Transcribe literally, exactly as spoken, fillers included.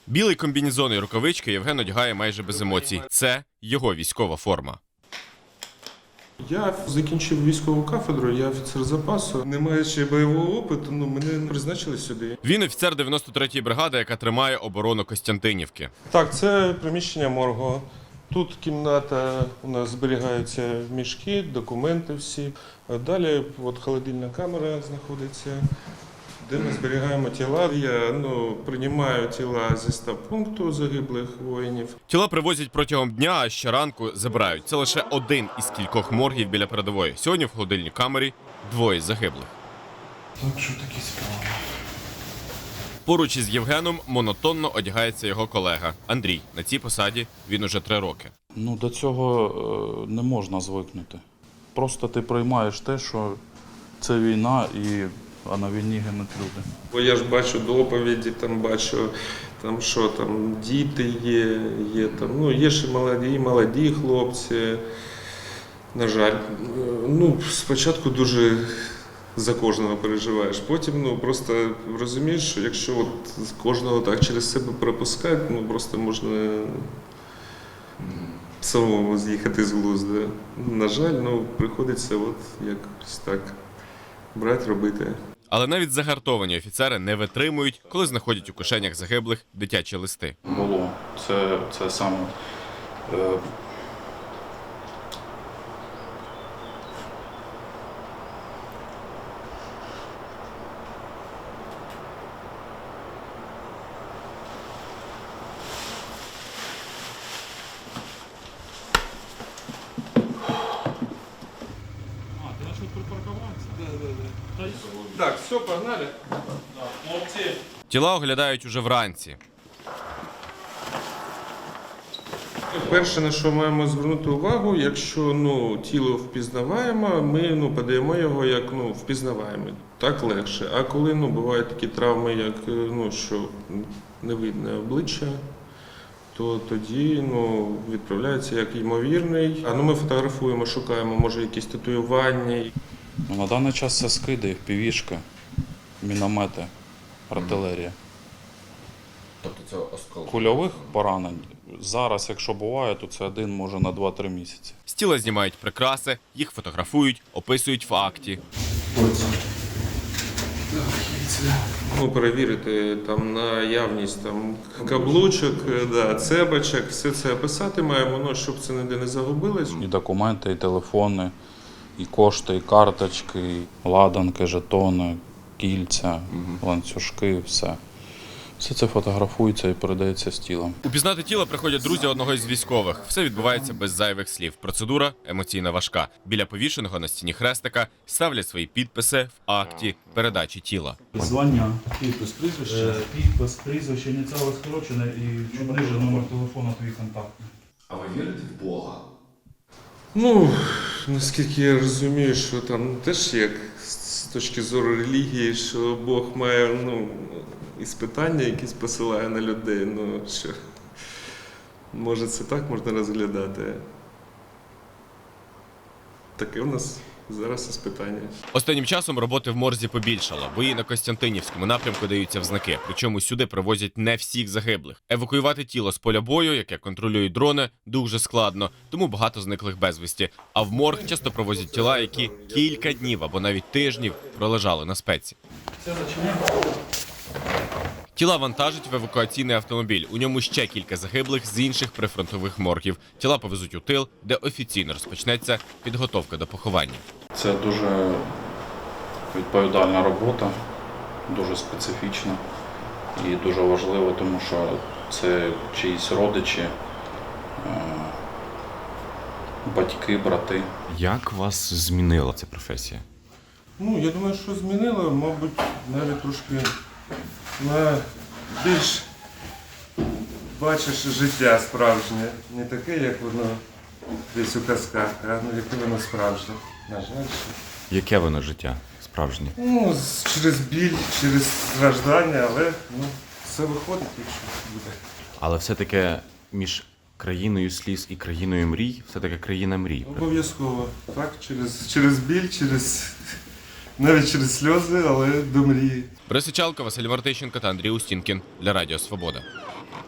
Білий комбінезон і рукавички Євген одягає майже без емоцій. Це його військова форма. Я закінчив військову кафедру, я офіцер запасу. Не маючи бойового опиту, ну, мене призначили сюди. Він офіцер дев'яносто третьої бригади, яка тримає оборону Костянтинівки. Так, це приміщення моргу. Тут кімната, у нас зберігаються мішки, документи всі. Далі от холодильна камера знаходиться, де ми зберігаємо тіла. Я ну, приймаю тіла зі стаб-пункту загиблих воїнів. Тіла привозять протягом дня, а щоранку забирають. Це лише один із кількох моргів біля передової. Сьогодні в холодильній камері двоє загиблих. Так, що такі справи? Поруч із Євгеном монотонно одягається його колега Андрій. На цій посаді він уже три роки. Ну, до цього не можна звикнути. Просто ти приймаєш те, що це війна, і, а на війні гинуть люди. Бо я ж бачу доповіді, там бачу, там, що там діти є, є, там, ну, є ще молоді, молоді хлопці. На жаль, ну, спочатку дуже за кожного переживаєш. Потім ну, просто розумієш, що якщо от кожного так через себе пропускати, ну, просто можна самому з'їхати з глузду. На жаль, ну, приходиться от якось так брати, робити. Але навіть загартовані офіцери не витримують, коли знаходять у кишенях загиблих дитячі листи. Було. Це, це саме... Е... Так, все, погнали. Тіла оглядають уже вранці. Перше, на що маємо звернути увагу, якщо ну, тіло впізнаваємо, ми ну, подаємо його як ну, впізнаваємо. Так легше. А коли ну, бувають такі травми, як ну, що не видно обличчя, то тоді ну, відправляється як ймовірний. А ну, ми фотографуємо, шукаємо, може, якісь татуювання. Ну, на даний час це скиди, півішки, міномети, артилерія. Тобто це осколки? Кульових поранень. Зараз, якщо буває, то це один, може, на два-три місяці. З тіла знімають прикраси, їх фотографують, описують в акті. Ну, перевірити там наявність там, каблучок, да, цепочок, все це описати маємо, ну, щоб це ніде не загубилось. І документи, і телефони, і кошти, і карточки, і ладанки, жетони, кільця, ланцюжки, все. Все це фотографується і передається з тілом. Упізнати тіло приходять друзі одного із військових. Все відбувається без зайвих слів. Процедура емоційно важка. Біля повішеного на стіні хрестика ставлять свої підписи в акті передачі тіла. Звання, підпис, прізвище, підпис, прізвище, ініціали скорочене і чуть ниже номер телефону, твій контактний. А ви вірите в Бога? Ну, наскільки я розумію, що там теж як з точки зору релігії, що Бог має ну, іспитання якісь посилає на людей. Ну, що, може це так можна розглядати. Таке у нас зараз іспитання. Останнім часом роботи в морзі побільшало. Бої на Костянтинівському напрямку даються в знаки. Причому сюди привозять не всіх загиблих. Евакуювати тіло з поля бою, яке контролюють дрони, дуже складно, тому багато зниклих безвісті. А в морг часто привозять тіла, які кілька днів або навіть тижнів пролежали на спеці. Тіла вантажать в евакуаційний автомобіль. У ньому ще кілька загиблих з інших прифронтових моргів. Тіла повезуть у тил, де офіційно розпочнеться підготовка до поховання. Це дуже відповідальна робота, дуже специфічна і дуже важливо, тому що це чиїсь родичі, батьки, брати. Як вас змінила ця професія? Ну, я думаю, що змінило, мабуть, навіть трошки на більш бачиш життя справжнє. Не таке, як воно десь у казках, а ну, яке воно справжнє. На жаль, що. Яке воно життя справжнє? Ну, з- через біль, через страждання, але ну, все виходить, якщо буде. Але все-таки між країною сліз і країною мрій, все-таки країна мрій. Обов'язково. Так, через, через біль, через навіть через сльози, але до мрії. Борис Сичалко, Василь Мартищенко та Андрій Устінкін для Радіо Свобода.